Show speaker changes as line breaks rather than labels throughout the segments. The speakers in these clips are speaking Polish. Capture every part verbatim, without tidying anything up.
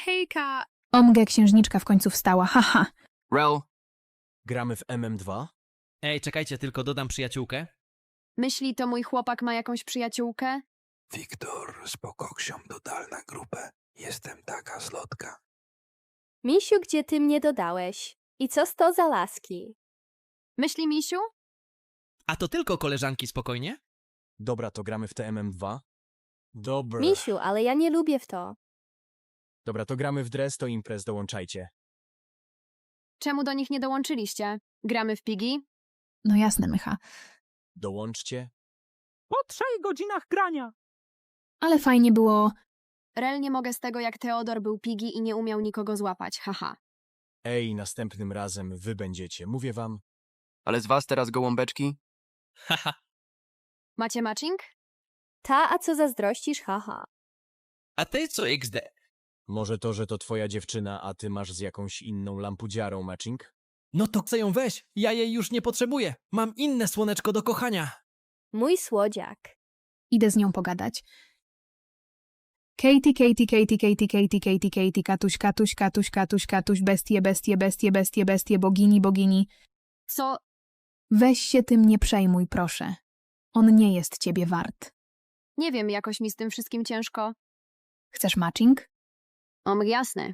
hejka! Omgę księżniczka w końcu wstała, haha.
Rel,
Gramy w M M dwa?
Ej, czekajcie, tylko dodam przyjaciółkę.
Myśli, to mój chłopak ma jakąś przyjaciółkę?
Wiktor, z pokoksią dodal na grupę. Jestem taka zlotka.
Misiu, gdzie ty mnie dodałeś? I co to za laski?
Myśli, misiu?
A to tylko koleżanki, spokojnie?
Dobra, to gramy w te M M dwa? Dobra.
Misiu, ale ja nie lubię w to.
Dobra, to gramy w dres, to imprez, dołączajcie.
Czemu do nich nie dołączyliście? Gramy w pigi?
No jasne, Mycha.
Dołączcie.
Po trzech godzinach grania.
Ale fajnie było...
Rel, nie mogę z tego, jak Teodor był pigi i nie umiał nikogo złapać, haha.
Ej, następnym razem wy będziecie, mówię wam.
ale z was teraz gołąbeczki?
Haha.
Macie matching?
Ta, a co zazdrościsz, haha.
A ty co X D?
Może to, że to twoja dziewczyna, a ty masz z jakąś inną lampudziarą matching?
No to chcę ją weź, ja jej już nie potrzebuję. Mam inne słoneczko do kochania.
Mój słodziak.
Idę z nią pogadać. Katie, Katie, Katie, Katie, Katie, Katie, Katie, Katuś, Katuś, Katuś, Katuś, Katuś, bestie, bestie, bestie, bestie, bestie, bogini, bogini.
Co?
Weź się tym nie przejmuj, proszę. On nie jest ciebie wart.
Nie wiem, jakoś mi z tym wszystkim ciężko.
Chcesz matching?
Om, jasne.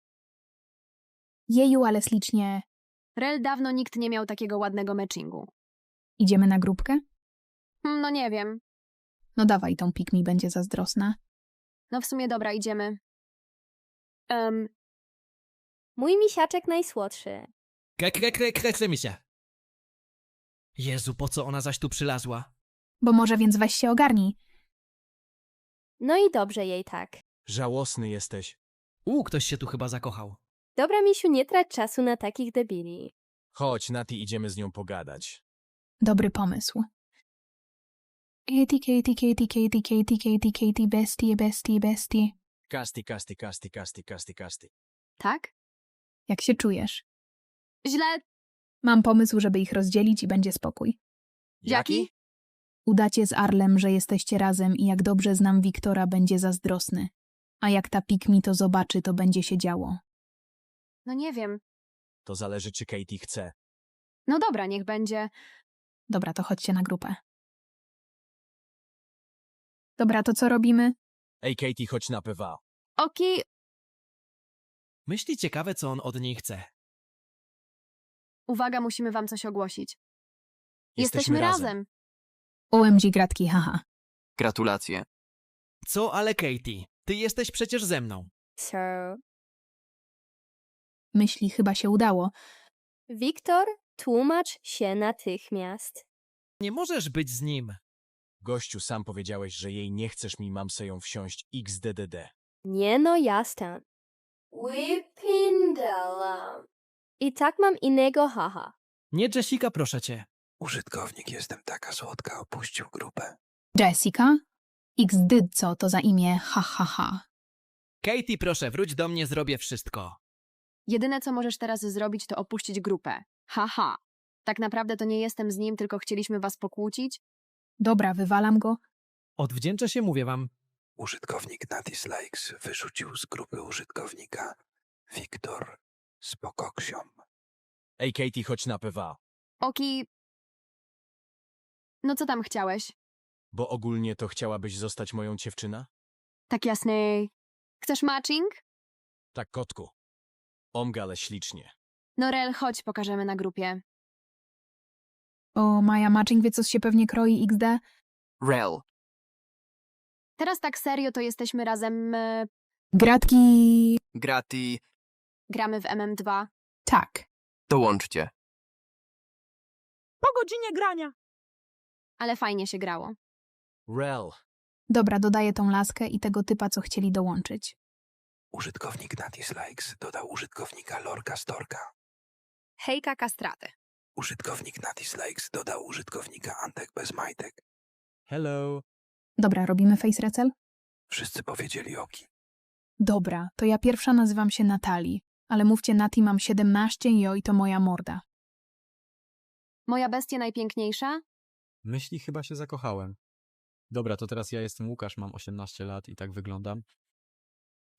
Jeju, ale ślicznie.
Rel, dawno nikt nie miał takiego ładnego matchingu.
Idziemy na grupkę?
Hmm, no nie wiem.
No dawaj, tą pik mi będzie zazdrosna.
No w sumie dobra, idziemy. Um,
Mój misiaczek najsłodszy.
Kre, kre, kre, kre, kre mi się. Jezu, po co ona zaś tu przylazła?
Bo może więc weź się ogarnij.
No i dobrze jej tak.
Żałosny jesteś.
U, ktoś się tu chyba zakochał.
Dobra, misiu, nie trać czasu na takich debili.
Chodź, Nati, idziemy z nią pogadać.
Dobry pomysł. Katie, Katie, Katie, Katie, Katie, Katie, Katie, bestie, bestie, bestie.
Kasti, kasti, kasti, kasti, kasti, kasti.
tak?
Jak się czujesz?
Źle.
Mam pomysł, żeby ich rozdzielić i będzie spokój.
Jaki?
Udacie z Arlem, że jesteście razem i jak dobrze znam Wiktora, będzie zazdrosny. A jak ta pik mi to zobaczy, to będzie się działo.
No nie wiem.
To zależy, czy Katie chce.
No dobra, niech będzie.
Dobra, to chodźcie na grupę. Dobra, to co robimy?
Ej, Katie, chodź na P W A.
Oki,
Myśli ciekawe, co on od niej chce.
uwaga, musimy wam coś ogłosić.
Jesteśmy razem.
O M G gratki, haha.
Gratulacje.
Co, ale Katie, ty jesteś przecież ze mną.
Sir.
Myśli, chyba się udało.
Wiktor, tłumacz się natychmiast.
Nie możesz być z nim.
Gościu, sam powiedziałeś, że jej nie chcesz, mi mam se ją wsiąść X D D D.
Nie no, jasne. Wypindala. I tak mam innego, haha.
Nie, Jessica, proszę cię.
Użytkownik Jestem taka słodka opuścił grupę.
Jessica? X D co to za imię, ha ha ha.
Katie, proszę, wróć do mnie, zrobię wszystko.
jedyne co możesz teraz zrobić, to opuścić grupę. Haha. Tak naprawdę to nie jestem z nim, tylko chcieliśmy was pokłócić.
Dobra, wywalam go.
Odwdzięczę się, mówię wam.
Użytkownik na Dislikes wyrzucił z grupy użytkownika Wiktor z pokoksią.
Ej, Katie, chodź na P W A.
Oki... No co tam chciałeś?
Bo ogólnie to chciałabyś zostać moją dziewczyna?
Tak jasny. Chcesz matching?
Tak, kotku. Omga, ale ślicznie.
No Rel, chodź, pokażemy na grupie.
O, Maja matching wie, co się pewnie kroi X D.
Rel,
Teraz tak serio, to jesteśmy razem... E,
Gratki...
grati,
gramy w M M dwa.
Tak.
dołączcie.
Po godzinie grania.
Ale fajnie się grało.
Rel.
Dobra, dodaję tą laskę i tego typa, co chcieli dołączyć.
Użytkownik na Dislikes dodał użytkownika Lorka Storka.
Hejka kastraty.
Użytkownik na Dislikes dodał użytkownika Antek bez majtek.
Hello.
Dobra, robimy face recel?
Wszyscy powiedzieli oki.
Dobra, to ja pierwsza nazywam się Natalii, ale mówcie Nati, mam siedemnaście i oj, to moja morda.
Moja bestia najpiękniejsza?
Myśli, chyba się zakochałem. Dobra, to teraz ja jestem Łukasz, mam osiemnaście lat i tak wyglądam.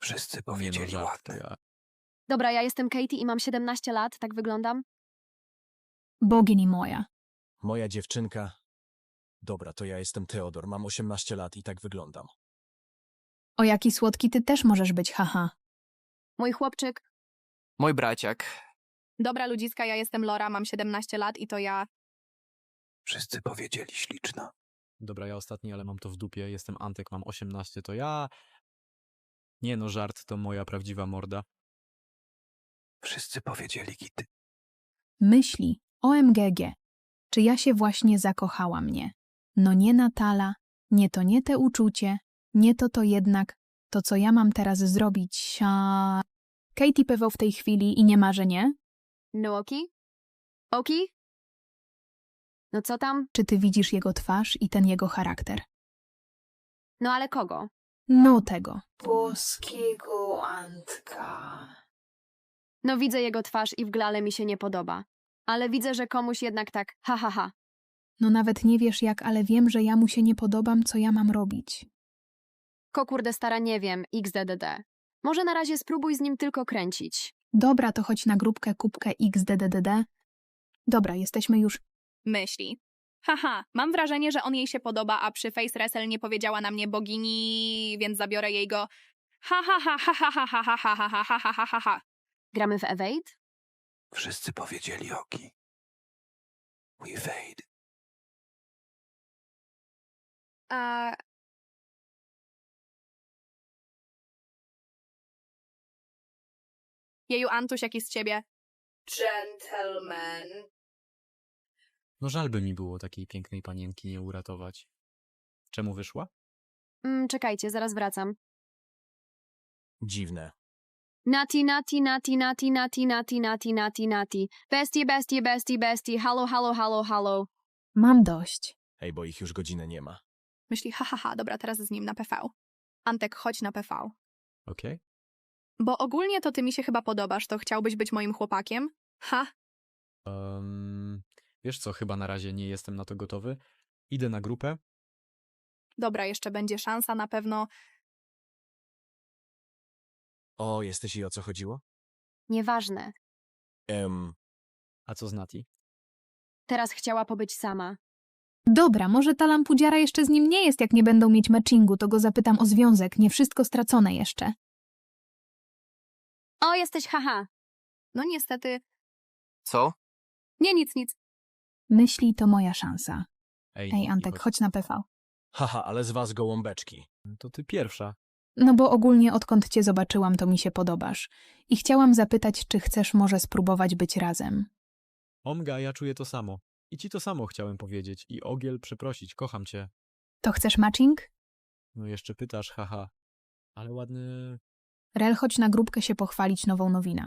Wszyscy
Nie no,
powiedzieli
żart, to
ładne.
ja.
Dobra, ja jestem Katie i mam siedemnaście lat, tak wyglądam?
Bogini moja.
Moja dziewczynka. Dobra, to ja jestem Teodor, mam osiemnaście lat i tak wyglądam.
O jaki słodki ty też możesz być, haha.
Mój chłopczyk.
Mój braciak.
Dobra ludziska, ja jestem Lora, mam siedemnaście lat i to ja...
Wszyscy powiedzieli śliczna.
Dobra, ja ostatni, ale mam to w dupie. Jestem Antek, mam osiemnaście, to ja. Nie no, żart, to moja prawdziwa morda.
Wszyscy powiedzieli gity.
Myśli, O M G G. Czy ja się właśnie zakochałam, nie? No nie Natala, nie to nie te uczucie, nie to to jednak, to co ja mam teraz zrobić, sia... Katie pewał w tej chwili i nie ma, że nie?
No oki? Oki? No co tam?
Czy ty widzisz jego twarz i ten jego charakter?
No ale kogo?
No tego. Boskiego Antka.
No widzę jego twarz i w glale mi się nie podoba. Ale widzę, że komuś jednak tak, ha ha ha.
No nawet nie wiesz jak, ale wiem, że ja mu się nie podobam, co ja mam robić.
Ko kurde stara nie wiem, X D D D. Może na razie spróbuj z nim tylko kręcić.
Dobra, to chodź na grupkę kubkę X D D D D. Dobra, jesteśmy już...
Myśli. Haha, mam wrażenie, że on jej się podoba, a przy Face Wrestle nie powiedziała na mnie bogini, więc zabiorę jej go. Ha ha ha ha ha ha ha ha ha ha ha ha ha ha ha.
Gramy w Evade?
Wszyscy powiedzieli oki. We fade.
A... Jeju, Antuś, jaki z ciebie? Gentleman.
No żal by mi było takiej pięknej panienki nie uratować. Czemu wyszła?
Mm, czekajcie, zaraz wracam.
Dziwne.
Nati, nati, nati, nati, nati, nati, nati, nati, nati. Bestie, bestie, bestie, bestie. Halo, halo, halo, halo.
Mam dość.
Ej, bo ich już godzinę nie ma.
Myśli, ha ha ha, dobra, teraz z nim na P V. Antek, chodź na P V.
Okej?
Bo ogólnie to ty mi się chyba podobasz, to chciałbyś być moim chłopakiem? Ha?
Um, wiesz co, chyba na razie nie jestem na to gotowy. Idę na grupę.
Dobra, jeszcze będzie szansa na pewno.
O, jesteś i o co chodziło?
Nieważne.
Em,
A co z Nati?
Teraz chciała pobyć sama.
Dobra, może ta lampudziara jeszcze z nim nie jest, jak nie będą mieć matchingu, to go zapytam o związek, nie wszystko stracone jeszcze.
O, jesteś haha.
No niestety.
Co?
Nie, nic, nic.
Myśli, to moja szansa.
Ej,
Ej,
Nati,
Antek, chodź na P V.
haha, ale z was gołąbeczki.
To ty pierwsza.
No bo ogólnie odkąd cię zobaczyłam, to mi się podobasz. I chciałam zapytać, czy chcesz może spróbować być razem.
Omga, ja czuję to samo. I ci to samo chciałem powiedzieć. I Ogiel, przeprosić, kocham cię.
To chcesz matching?
No jeszcze pytasz, haha. Ale ładny...
Rel, chodź na grupkę się pochwalić nową nowina.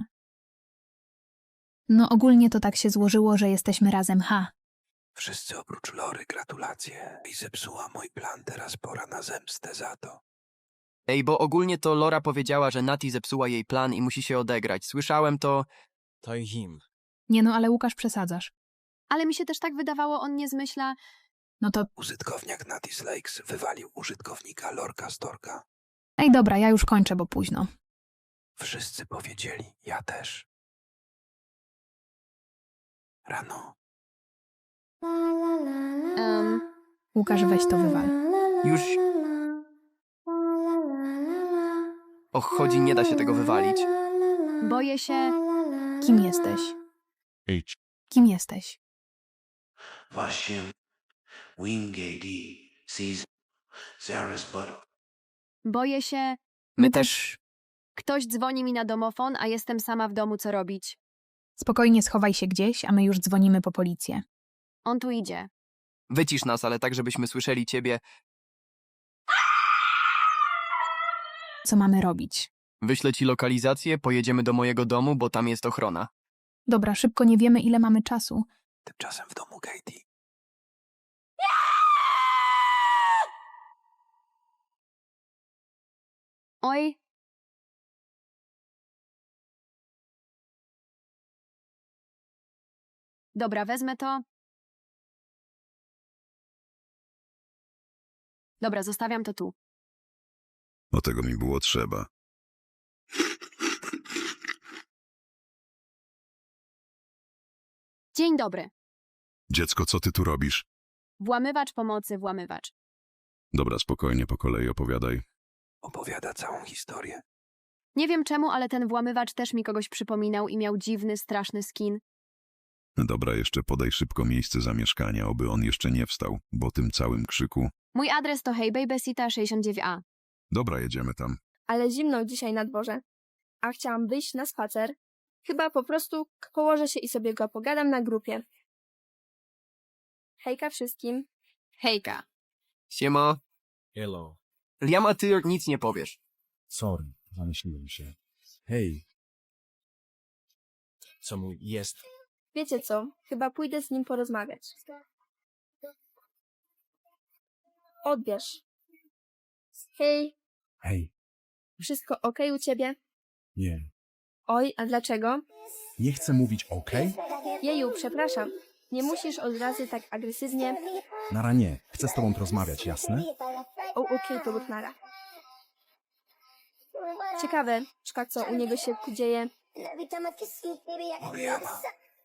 No ogólnie to tak się złożyło, że jesteśmy razem, ha.
Wszyscy oprócz Lory gratulacje. I zepsuła mój plan, teraz pora na zemstę za to.
Ej, bo ogólnie to Lora powiedziała, że Nati zepsuła jej plan i musi się odegrać. Słyszałem to...
To i him.
Nie no, ale Łukasz przesadzasz.
Ale mi się też tak wydawało, on nie zmyśla.
No to,
Użytkowniak Natis Lakes wywalił użytkownika Lorka Storka.
ej dobra, ja już kończę, bo późno.
Wszyscy powiedzieli, ja też. Rano.
Um,
Łukasz, weź to wywal.
Już... Och, chodzi, nie da się tego wywalić.
boję się.
Kim jesteś? Kim jesteś?
Właśnie Wingate sees Sarah's butt.
Boję się.
My też...
Ktoś dzwoni mi na domofon, a jestem sama w domu, co robić.
Spokojnie schowaj się gdzieś, a my już dzwonimy po policję.
On tu idzie.
Wycisz nas, ale tak, żebyśmy słyszeli ciebie.
Co mamy robić?
Wyślę ci lokalizację, pojedziemy do mojego domu, bo tam jest ochrona.
Dobra, szybko, nie wiemy ile mamy czasu.
Tymczasem w domu Katie.
Oj. Dobra, wezmę to. Dobra, zostawiam to tu.
Bo tego mi było trzeba.
Dzień dobry.
Dziecko, co ty tu robisz?
Włamywacz pomocy, włamywacz.
Dobra, spokojnie, po kolei opowiadaj.
Opowiada całą historię.
Nie wiem czemu, ale ten włamywacz też mi kogoś przypominał i miał dziwny, straszny skin.
Dobra, jeszcze podaj szybko miejsce zamieszkania, oby on jeszcze nie wstał, bo tym całym krzyku.
Mój adres to Hey Babysita sześćdziesiąt dziewięć A.
Dobra, jedziemy tam.
Ale zimno dzisiaj na dworze. A chciałam wyjść na spacer. Chyba po prostu położę się i sobie go pogadam na grupie. Hejka wszystkim.
Hejka.
Siema.
Hello.
Liam, a ty nic nie powiesz.
Sorry, zamyśliłem się. Hej. Co mu jest?
Wiecie co? Chyba pójdę z nim porozmawiać. Odbierz. Hej,
Hej.
wszystko okej u ciebie?
Nie.
Oj, a dlaczego?
Nie chcę mówić okej?
Jeju, przepraszam. Nie musisz od razu tak agresywnie.
Nara nie. Chcę z tobą porozmawiać, jasne?
O, okej, to lub nara. Ciekawe, czka co u niego się dzieje.
Liama.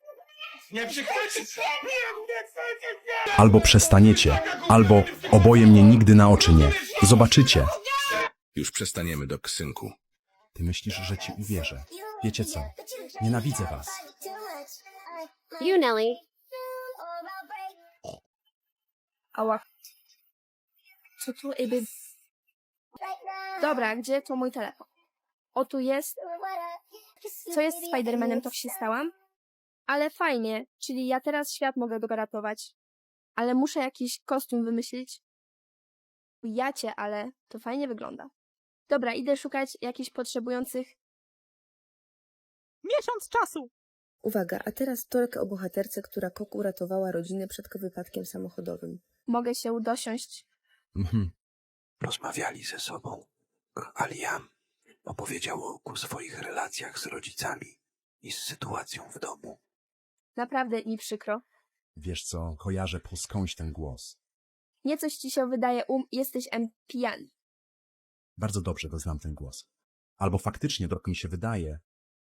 Albo przestaniecie, albo oboje mnie nigdy na oczy nie. Zobaczycie.
Już przestaniemy, Dok, synku.
Ty myślisz, że ci uwierzę. Wiecie co? Nienawidzę was.
You, Nelly.
Ała. Co tu, eby... Dobra, gdzie to mój telefon? O, tu jest. Co jest z Spidermanem, to się stałam? Ale fajnie, czyli ja teraz świat mogę go ratować. Ale muszę jakiś kostium wymyślić. Ja cię, ale to fajnie wygląda. Dobra, idę szukać jakichś potrzebujących.
Miesiąc czasu.
Uwaga, a teraz torek o bohaterce, która Kok uratowała rodzinę przed wypadkiem samochodowym.
Mogę się dosiąść.
Mhm.
Rozmawiali ze sobą, a Liam opowiedział o swoich relacjach z rodzicami i z sytuacją w domu.
Naprawdę mi przykro.
Wiesz co, kojarzę po skądś ten głos.
Nie coś ci się wydaje, um, jesteś em pijany.
Bardzo dobrze go znam ten głos. Albo faktycznie trochę mi się wydaje.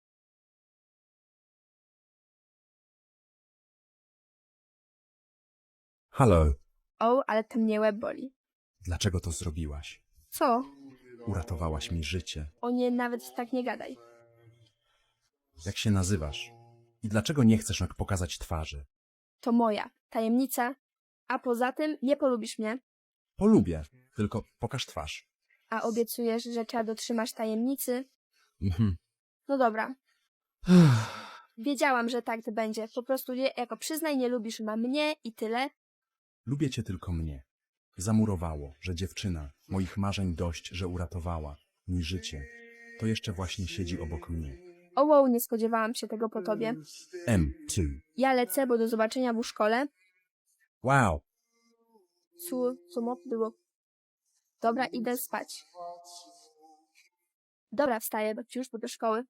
Halo,
O, ale to mnie łeb boli.
dlaczego to zrobiłaś?
Co?
Uratowałaś mi życie.
O nie, nawet tak nie gadaj.
Jak się nazywasz? I dlaczego nie chcesz nak pokazać twarzy?
To moja tajemnica. A poza tym nie polubisz mnie.
Polubię, tylko pokaż twarz.
A obiecujesz, że trzeba dotrzymasz tajemnicy?
Mhm.
No dobra. Wiedziałam, że tak to będzie. Po prostu nie, jako przyznaj, nie lubisz ma mnie i tyle.
Lubię cię tylko mnie. Zamurowało, że dziewczyna, moich marzeń dość, że uratowała mi życie. To jeszcze właśnie siedzi obok mnie.
O wow, nie spodziewałam się tego po tobie.
M, ty.
Ja lecę, bo do zobaczenia w szkole.
Wow.
Co, co mo było? Dobra, idę spać. Dobra, wstaję, bo już, bo do szkoły.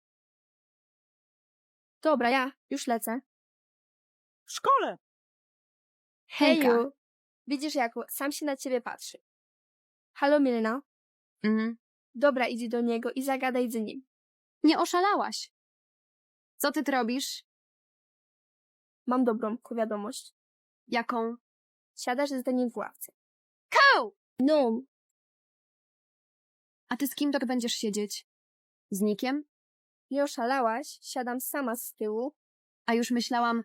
Dobra, ja już lecę.
W szkole.
Heju! Widzisz, jak sam się na ciebie patrzy. Halo, Milena?
Mhm.
Dobra, idź do niego i zagadaj z nim.
Nie oszalałaś. Co ty tu robisz?
Mam dobrą wiadomość.
Jaką?
Siadasz z nim w ławce.
Koł!
No,
A ty z kim tak będziesz siedzieć? Z Nikiem?
nie oszalałaś, siadam sama z tyłu.
A już myślałam...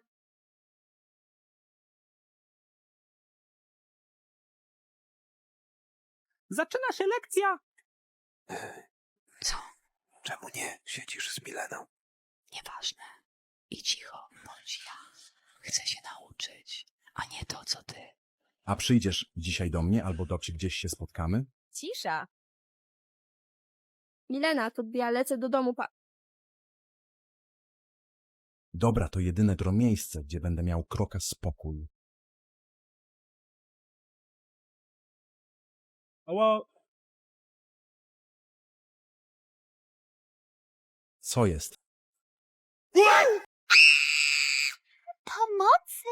Zaczyna się lekcja.
Co? Czemu nie siedzisz z Mileną?
Nieważne. I cicho, bądź ja. Chcę się nauczyć, a nie to, co ty.
A przyjdziesz dzisiaj do mnie, albo do gdzieś się spotkamy?
Cisza. Milena, to ja lecę do domu pa...
Dobra, to jedyne dro miejsce, gdzie będę miał kroka spokój.
Ała.
Co jest?
Pomocy!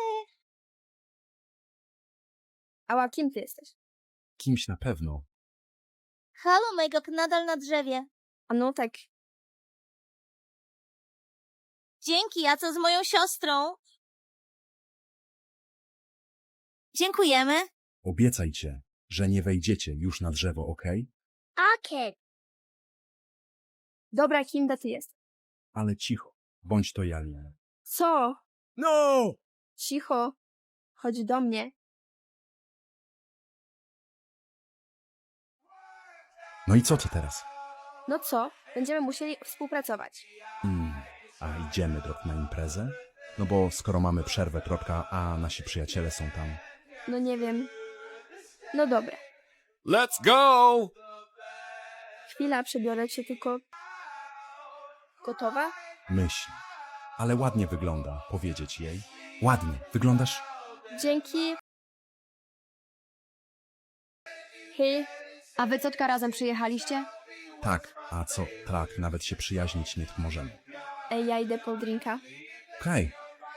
Ała, kim ty jesteś?
Kimś na pewno.
Halo, Megok, nadal na drzewie.
A no tak.
Dzięki, a co z moją siostrą?
Dziękujemy.
Obiecajcie, że nie wejdziecie już na drzewo, okej?
Okej. Dobra, Kinda, ty jest.
Ale cicho, bądź to Jalia.
Co?
No!
Cicho. Chodź do mnie.
No i co to teraz?
No co? Będziemy musieli współpracować.
Mm, a idziemy drog na imprezę? No bo skoro mamy przerwę trotka, a nasi przyjaciele są tam.
No nie wiem. No dobra.
Let's go!
Chwila, przebiorę cię tylko... Gotowa?
Myśl. Ale ładnie wygląda, powiedzieć jej. Ładnie, wyglądasz...
Dzięki. Hej.
A wy ciotka razem przyjechaliście?
Tak, a co, tak, nawet się przyjaźnić nie możemy.
Ej, ja idę po drinka.
Okej,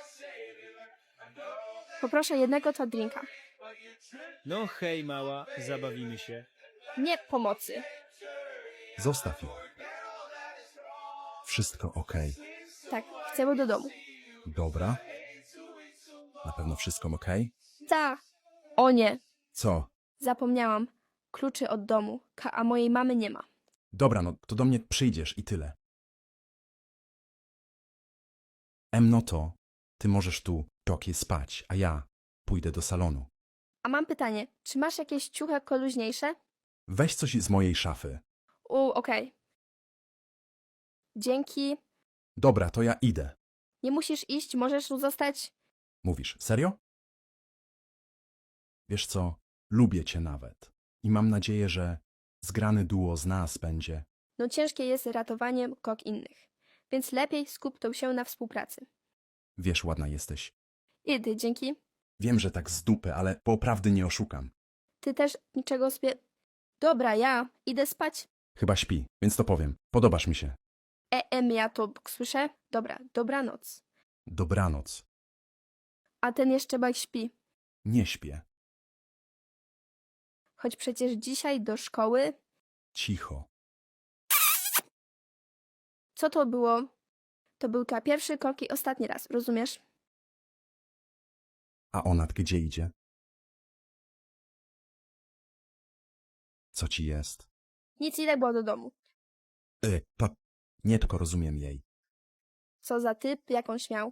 Poproszę jednego to drinka.
No hej, mała, zabawimy się.
Nie pomocy.
zostaw ją. Wszystko okej.
Tak, chcemy do domu.
Dobra. Na pewno wszystko okej?
Tak. O nie,
Co?
zapomniałam. Kluczy od domu, Ka- a mojej mamy nie ma.
Dobra, no to do mnie przyjdziesz i tyle. Em, no to ty możesz tu tokie spać, a ja pójdę do salonu.
A mam pytanie, czy masz jakieś ciuchy luźniejsze?
Weź coś z mojej szafy.
U, okej. Dzięki.
Dobra, to ja idę.
Nie musisz iść, możesz tu zostać.
Mówisz, serio? Wiesz co, lubię cię nawet. I mam nadzieję, że zgrany duo z nas będzie.
No ciężkie jest ratowanie kok innych. Więc lepiej skup to się na współpracy.
Wiesz, ładna jesteś.
Idę, dzięki.
Wiem, że tak z dupy, ale po prawdy nie oszukam.
Ty też niczego sobie... Dobra, ja idę spać.
Chyba śpi, więc to powiem. Podobasz mi się.
E, em, ja to słyszę? Dobra, dobranoc.
Dobranoc.
A ten jeszcze bak śpi.
Nie śpię.
Choć przecież dzisiaj do szkoły...
Cicho.
Co to było? To był ta pierwszy krok i ostatni raz, rozumiesz?
A ona gdzie idzie? Co ci jest?
Nic, idę było do domu.
Y, pa... Nie tylko rozumiem jej.
Co za typ, jakąś miał.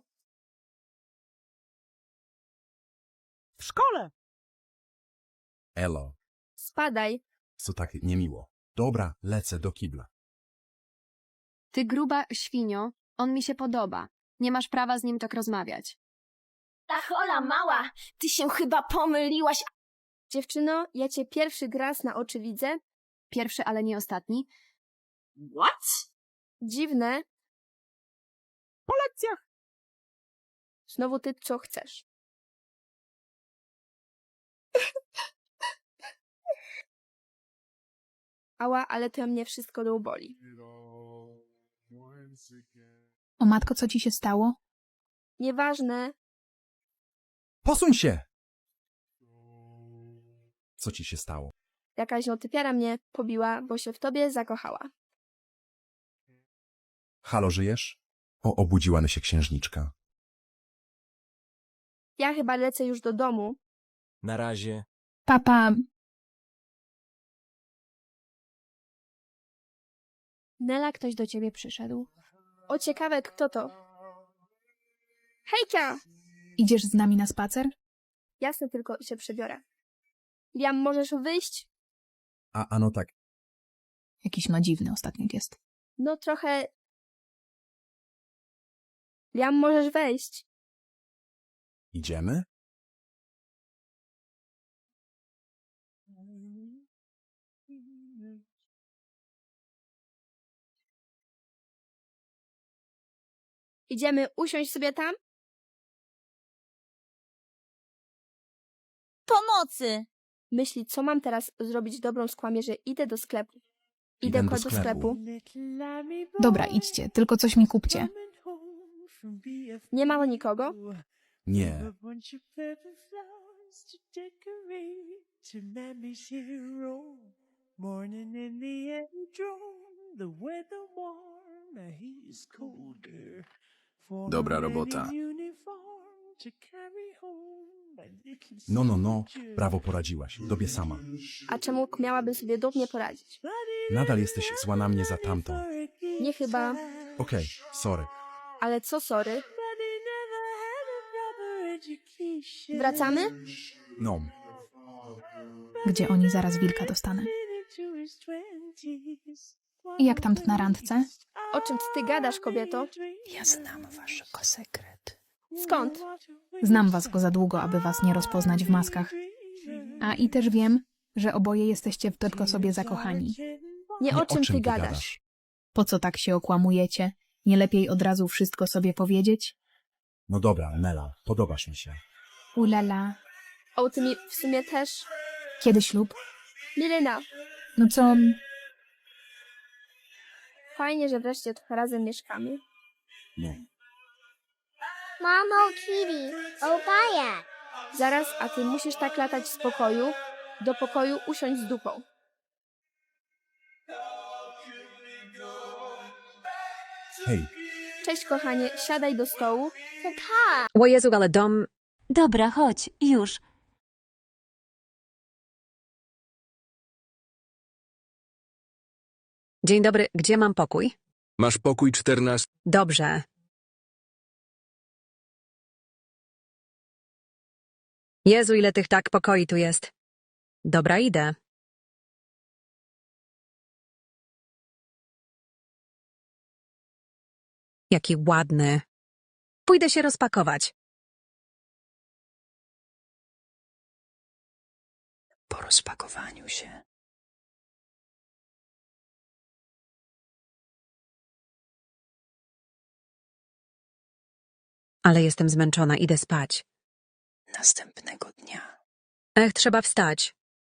W szkole!
Elo.
Spadaj.
Co tak niemiło. Dobra, lecę do kibla.
Ty gruba świnio, on mi się podoba. Nie masz prawa z nim tak rozmawiać.
Ta chola mała, ty się chyba pomyliłaś. Dziewczyno, ja cię pierwszy raz na oczy widzę.
Pierwszy, ale nie ostatni.
What? Dziwne.
Po lekcjach!
Znowu ty co chcesz. Ała, ale to mnie wszystko do boli.
O matko, co ci się stało?
Nieważne.
Posuń się! Co ci się stało?
Jakaś notypiara mnie pobiła, bo się w tobie zakochała.
Halo, żyjesz? O, obudziła się księżniczka.
Ja chyba lecę już do domu.
Na razie.
Papa,
Nela, ktoś do ciebie przyszedł.
O, ciekawe, kto to? Hejka!
idziesz z nami na spacer?
Jasne, tylko się przebiorę. Liam, możesz wyjść?
A, ano tak.
Jakiś no dziwny ostatnio jest.
No trochę... Liam, możesz wejść.
Idziemy?
Idziemy usiąść sobie tam? Pomocy! Myśli, co mam teraz zrobić dobrą skłamie, że idę do sklepu. Idę,
Idę do
do
sklepu.
sklepu.
Dobra, idźcie, tylko coś mi kupcie.
Nie ma nikogo?
Nie.
Dobra robota.
No, no, no, brawo poradziłaś, tobie sama.
A czemu miałabym sobie dumnie poradzić?
Nadal jesteś zła na mnie za tamtą.
Nie chyba,
Okej, sorry.
ale co sorry? Wracamy?
No,
Gdzie oni zaraz wilka dostanę. I jak tam na randce?
O czym ty gadasz, kobieto?
Ja znam waszego sekret.
Skąd?
Znam was go za długo, aby was nie rozpoznać w maskach. A i też wiem, że oboje jesteście w tylko sobie zakochani.
Nie, o czym ty gadasz?
Po co tak się okłamujecie? Nie lepiej od razu wszystko sobie powiedzieć?
no dobra, Nela, podobasz mi się.
Ulala.
O, ty mi w sumie też.
Kiedy ślub?
Milena,
No co?
fajnie, że wreszcie trochę razem mieszkamy.
No.
Mamo, Kitty, opaja. Zaraz, a ty musisz tak latać z pokoju do pokoju usiąść z dupą.
Hej,
Cześć, kochanie, siadaj do stołu. Tak.
O Jezu, ale dom...
Dobra, chodź, już.
Dzień dobry, gdzie mam pokój?
Masz pokój czternasty.
Dobrze. Jezu, ile tych tak pokoi tu jest. Dobra, idę. Jaki ładny. Pójdę się rozpakować.
Po rozpakowaniu się.
Ale jestem zmęczona, idę spać.
Następnego dnia.
Ech, trzeba wstać.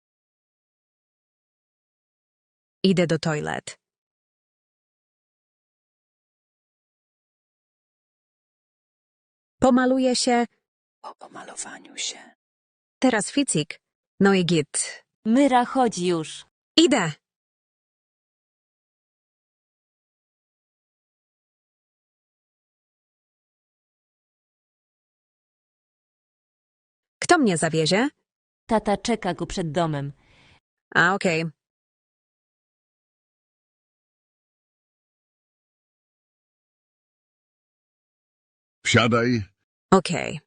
Idę do toilet. Pomaluję się.
Po pomalowaniu się.
Teraz ficik. No i git.
Myra, chodź już.
Idę. Kto mnie zawiezie?
Tata czeka go przed domem.
A, okej.
Wsiadaj.
Okej.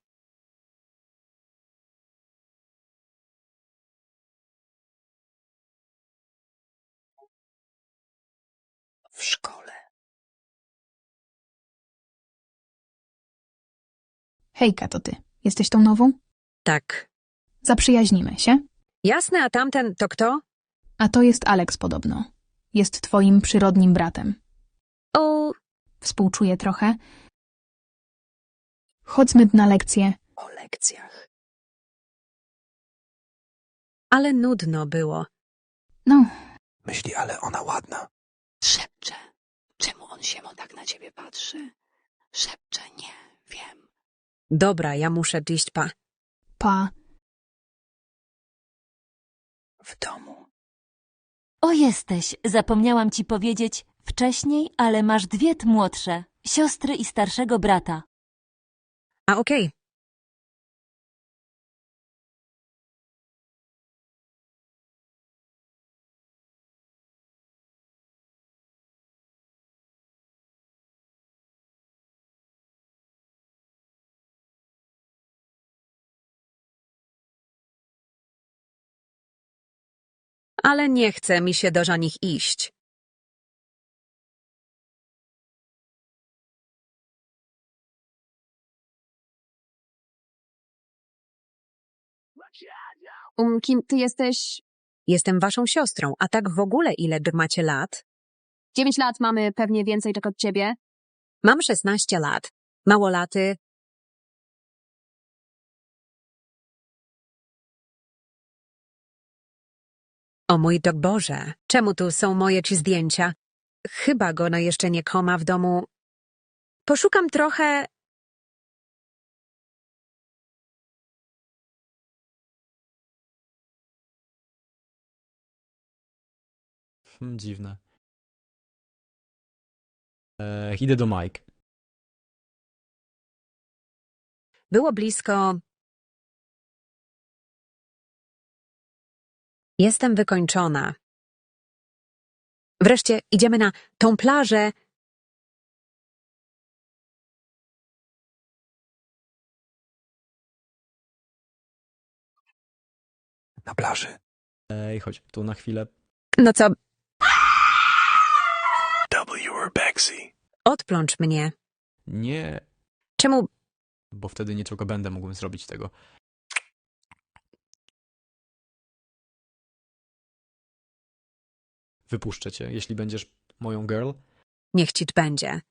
W szkole.
Hejka, to ty. Jesteś tą nową?
Tak.
Zaprzyjaźnimy się?
Jasne, a tamten to kto?
A to jest Alex podobno. Jest twoim przyrodnim bratem.
O,
Współczuję trochę. Chodźmy na lekcję.
O lekcjach.
ale nudno było.
No.
Myśli, ale ona ładna.
Szepcze. Czemu on się mo tak na ciebie patrzy? Szepcze, nie wiem.
Dobra, ja muszę iść, pa.
Pa.
W domu.
O, jesteś. Zapomniałam ci powiedzieć wcześniej, ale masz dwie młodsze. Siostry i starszego brata.
A okej. Ale nie chce mi się do nich iść.
Um, kim ty jesteś?
Jestem waszą siostrą, a tak w ogóle ile macie lat?
Dziewięć lat, mamy pewnie więcej tak od ciebie.
Mam szesnaście lat. Małolaty. O mój to Boże, czemu tu są moje ci zdjęcia? Chyba go no jeszcze nie koma w domu. Poszukam trochę...
Hmm, dziwne. E, idę do Mike.
Było blisko... Jestem wykończona. Wreszcie idziemy na tą plażę.
Na plaży.
Ej, chodź tu na chwilę.
No co,
W. Urbexy.
odplącz mnie.
Nie,
Czemu?
bo wtedy nie tylko będę mógł zrobić tego. Wypuszczę cię, jeśli będziesz moją girl.
Niech ci będzie.